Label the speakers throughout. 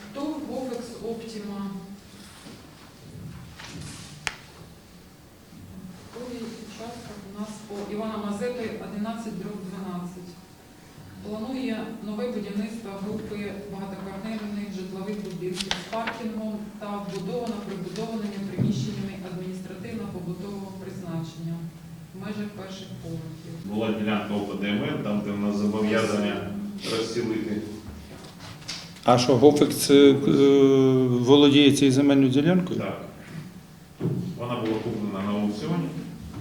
Speaker 1: То Гофекс Оптима. Участок у нас по Івана Мазепи 11/12. Планує нове будівництво групи багатоквартирних житлових будинків з паркінгом та прибудованими приміщеннями адміністративно-побутового призначення в межах перших поверхів.
Speaker 2: Була ділянка ОПДМ, там де в нас зобов'язання розцілити.
Speaker 3: А що, Гофекс володіє цією земельною ділянкою?
Speaker 2: Так. Вона була куплена на аукціоні.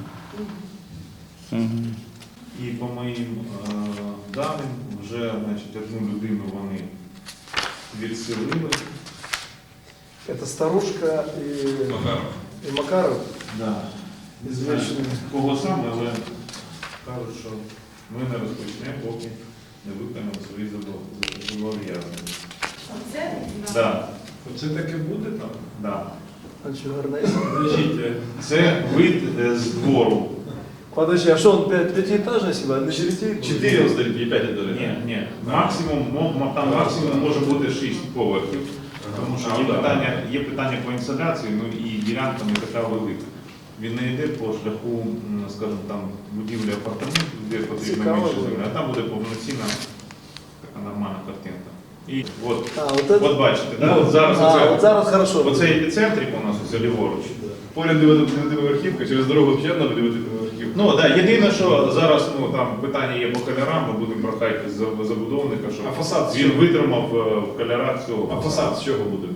Speaker 2: І по моїм даним, вже одну людину вони відселили.
Speaker 4: Это Старушка и Макаров.
Speaker 2: Да. Не знаю, кого саме, але кажуть, що ми не розпочнемо, поки не виконаємо свої зобов'язання.
Speaker 1: Оце?
Speaker 2: Да.
Speaker 5: Оце таке буде там?
Speaker 2: Да.
Speaker 4: А что, гарнейс?
Speaker 5: Подождіть.
Speaker 2: Це вид з двору.
Speaker 4: Подожди, а что он пятиэтажный себе? На
Speaker 5: 4 он стоит, не 5 это.
Speaker 2: Ні. Там максимум може бути 6 поверхів. Тому що є питання по інсталяції, ну і ділянка не така велика. Він не йде по шляху, скажімо, там будівлі апартаментів, де потрібно більше землі, а там буде повноцінна така нормальна картинка. І от бачите, да? От
Speaker 4: зараз хорошо.
Speaker 2: Оце епіцентрик у нас ось ліворуч.
Speaker 5: Поряд 9-поверхівка, через дорогу ще одна 9-поверхівка.
Speaker 2: Ну так, єдине, що зараз там питання є по кольорам, ми будемо прохати забудовника, щоб
Speaker 5: А фасад
Speaker 2: він витримав в кольорах цього.
Speaker 5: А фасад з чого буде?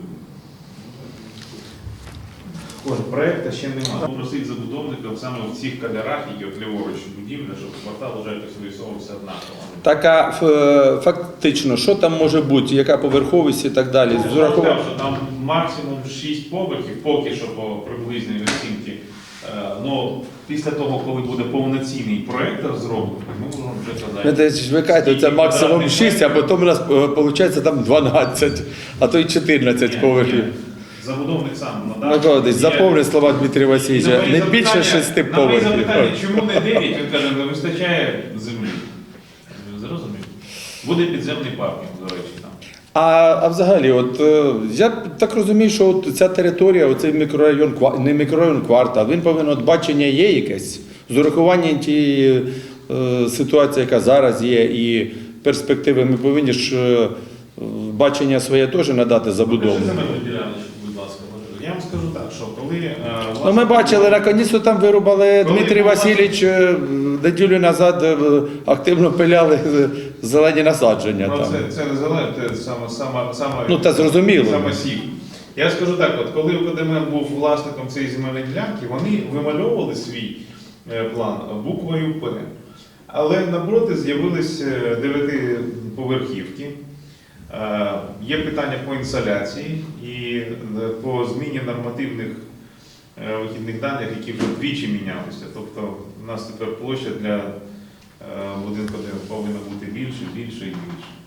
Speaker 2: Проєкту ще немає. Попросити забудовника саме в цих кольорах, які от ліворуч будівля, щоб квартал вже якось вирисовувався однаково.
Speaker 3: Так, а фактично, що там може бути, яка поверховість і так далі?
Speaker 2: Я сказав, що там максимум 6 поверхів, поки що по приблизній оцінці. Ну, після того, коли буде повноцінний проєкт розроблений, ми можемо вже казати.
Speaker 3: Ви кажете, це максимум 6, а потім у нас виходить там 12, а то й 14 поверхів.
Speaker 2: Забудовник сам
Speaker 3: Микола, заповни слова Дмитрія Васильовича, не більше 6
Speaker 2: поверхів. На мої
Speaker 3: поверхів.
Speaker 2: запитання, чому не 9, він каже, не вистачає землі. Зрозумів. Буде підземний паркінг, до речі, там.
Speaker 3: А взагалі, от я так розумію, що от ця територія, оцей мікрорайон, не мікрорайон, квартал, він повинен, от бачення є якесь, з урахуванням тієї ситуації, яка зараз є, і перспективи, ми повинні ж бачення своє теж надати забудовнику.
Speaker 2: Земельну діляночку, будь ласка, може. Я вам скажу так, що коли...
Speaker 3: Ну, ми бачили, наконець там вирубали, Дмитрій Васильович неділю назад активно пиляли зелені насадження.
Speaker 2: Ну,
Speaker 3: там.
Speaker 2: це не зелені, це саме
Speaker 3: Ну, та зрозуміло.
Speaker 2: Саме сів. Я скажу так, от коли ОКДМ був власником цієї земельної ділянки, вони вимальовували свій план буквою П. Але напроти з'явились 9-поверхівки. Є питання по інсталяції і по зміні нормативних вихідних даних, які вже вдвічі мінялися. Тобто у нас тепер площа для будинку повинна бути більше і більше.